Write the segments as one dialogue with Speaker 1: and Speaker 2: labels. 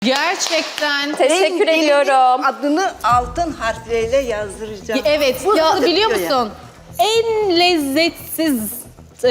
Speaker 1: Gerçekten.
Speaker 2: Teşekkür ediyorum.
Speaker 3: Adını altın harfleriyle yazdıracağım.
Speaker 1: Evet,
Speaker 3: Bu
Speaker 1: ya
Speaker 3: nasıl
Speaker 1: biliyor
Speaker 3: bitiyor ya?
Speaker 1: musun? En lezzetsiz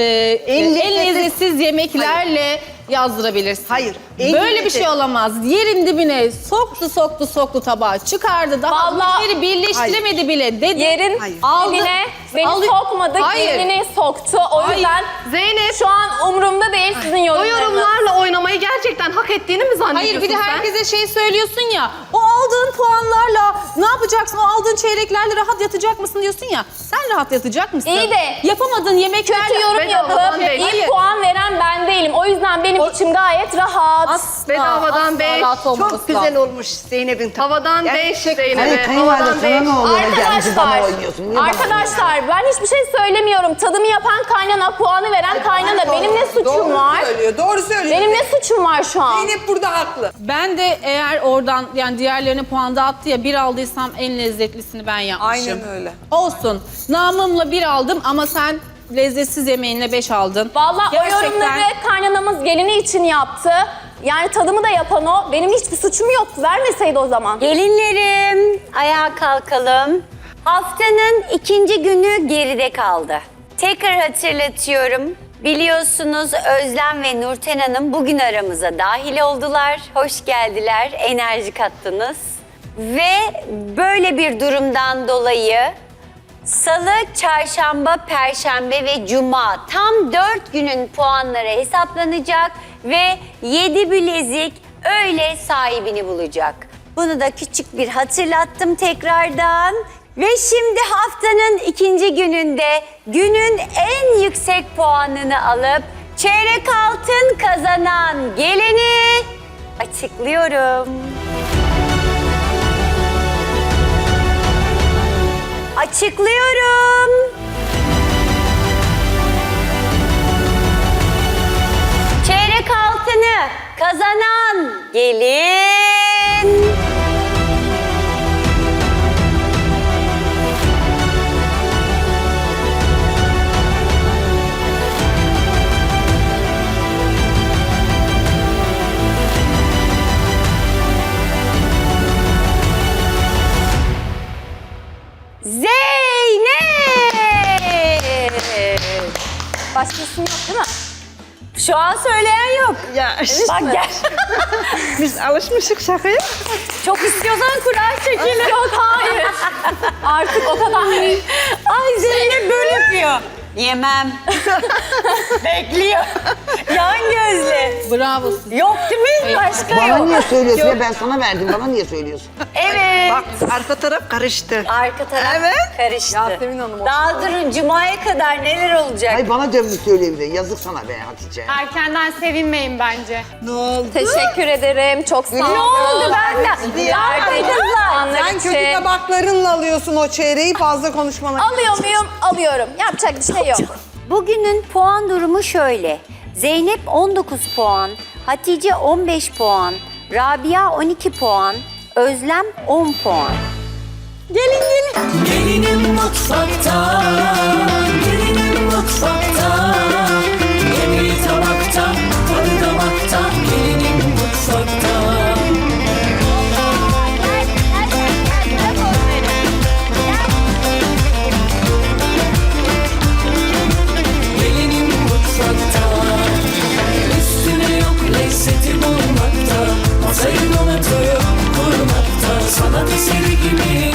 Speaker 1: en lezzetsiz yemeklerle yazdırabilirsin.
Speaker 3: Hayır,
Speaker 1: Böyle bir şey olamaz. Yerin dibine soktu tabağı, çıkardı. Daha
Speaker 2: Vallahi-
Speaker 1: bir birleştiremedi bile dedi.
Speaker 2: Yerin
Speaker 1: Aldı,
Speaker 2: dibine beni
Speaker 1: aldı.
Speaker 2: sokmadı,
Speaker 1: Hayır.
Speaker 2: kendini soktu. O
Speaker 1: Hayır.
Speaker 2: yüzden
Speaker 4: Zeynep,
Speaker 2: şu an umurumda değil sizin
Speaker 4: o
Speaker 2: yorumlarınız.
Speaker 4: yorumlarla oynamayı gerçekten hak ettiğini mi zannediyorsun
Speaker 1: Hayır, bir de
Speaker 4: sen?
Speaker 1: herkese şey söylüyorsun ya. O aldığın puanlarla ne yapacaksın? O aldığın çeyreklerle rahat yatacak mısın diyorsun ya. Sen rahat yatacak mısın?
Speaker 2: İyi de
Speaker 1: yapamadığın yemeklerle
Speaker 2: kötü yorum
Speaker 4: bedavadan
Speaker 2: yapıp
Speaker 4: değil.
Speaker 2: iyi
Speaker 1: Hayır.
Speaker 2: puan veren ben değilim. O yüzden benim içim gayet rahat.
Speaker 1: Asla,
Speaker 4: Bedavadan
Speaker 1: asla
Speaker 4: beş.
Speaker 1: rahat olmaması
Speaker 3: Çok güzel
Speaker 1: lazım.
Speaker 3: olmuş Zeynep'in tabağı.
Speaker 4: Havadan 5
Speaker 3: Gerçekten.
Speaker 4: Zeynep'e.
Speaker 5: Hayır kayınvalide
Speaker 4: Havadan
Speaker 5: sana
Speaker 4: 5.
Speaker 5: ne oluyor? Gelmişi bana
Speaker 2: Arkadaşlar,
Speaker 5: oynuyorsun. Niye bana
Speaker 2: arkadaşlar ben hiçbir şey söylemiyorum. Tadımı yapan kaynana, puanı veren kaynana. Benim ne suçum var?
Speaker 6: Doğru söylüyor.
Speaker 2: Benim ne suçum var şu an?
Speaker 6: Zeynep burada haklı.
Speaker 1: Ben de eğer oradan yani diğerlerine puan dağıttı ya bir aldıysam en lezzetlisini ben yapmışım.
Speaker 6: Aynen öyle.
Speaker 1: Olsun. Namımla bir aldım ama sen lezzetsiz yemeğinle 5 aldın.
Speaker 2: Vallahi o
Speaker 1: Gerçekten-
Speaker 2: yorumları kaynanamız gelini için yaptı. Yani tadımı da yapan o. Benim hiçbir suçum yok. Vermeseydi o zaman.
Speaker 7: Gelinlerim, ayağa kalkalım. Haftanın ikinci günü geride kaldı. Tekrar hatırlatıyorum. Biliyorsunuz Özlem ve Nurten Hanım bugün aramıza dahil oldular. Hoş geldiler, enerji kattınız. Ve böyle bir durumdan dolayı Salı, Çarşamba, Perşembe ve Cuma tam 4 günün puanları hesaplanacak ve 7 bilezik öyle sahibini bulacak. Bunu da küçük bir hatırlattım tekrardan. Ve şimdi haftanın ikinci gününde günün en yüksek puanını alıp çeyrek altın kazanan geleni açıklıyorum. Açıklıyorum. Çeyrek altını kazanan gelin. Zeynep.
Speaker 2: Başka isim yok değil mi?
Speaker 7: Şu an söyleyen yok.
Speaker 3: Ya
Speaker 7: Bak gel.
Speaker 3: biz alışmışık şakaya.
Speaker 7: Çok istiyorsan kura çekelim.
Speaker 2: Yok hayır. Artık o kadar değil.
Speaker 7: Ay Zeynep böyle yapıyor. Yemem. Bekliyor. Yan gözle.
Speaker 1: Bravo size.
Speaker 7: Yok değil mi? Başka
Speaker 5: Bana
Speaker 7: yok.
Speaker 5: niye söylüyorsun ya? Ben sana verdim. Bana niye söylüyorsun?
Speaker 7: Evet.
Speaker 3: Bak arka taraf karıştı.
Speaker 7: Arka taraf karıştı.
Speaker 6: Yasemin Hanım
Speaker 7: Daha durun Cuma'ya kadar neler olacak?
Speaker 5: Hayır bana dönmüş söyleyebilir. Yazık sana be Hatice.
Speaker 4: Erkenden sevinmeyin bence.
Speaker 3: Ne oldu?
Speaker 2: Teşekkür ederim. Çok sağ olun.
Speaker 7: Ne oldu benden?
Speaker 2: Verdiğiniz puanlar
Speaker 6: Sen kötü
Speaker 2: için.
Speaker 6: tabaklarınla alıyorsun o çeyreği, fazla konuşmana.
Speaker 2: Alıyor muyum? Alıyorum. Yapacak bir şey yok.
Speaker 7: Bugünün puan durumu şöyle. Zeynep 19 puan, Hatice 15 puan, Rabia 12 puan, Özlem 10 puan.
Speaker 8: Gelinim mutfakta, gelinim mutfakta. Yemeği tabakta, tadı damakta. Gelinim mutfakta. Gelinim mutfakta. Üstüne yok lezzeti bulmakta. Masayı donatıyor kurmakta. Sanat eseri gibi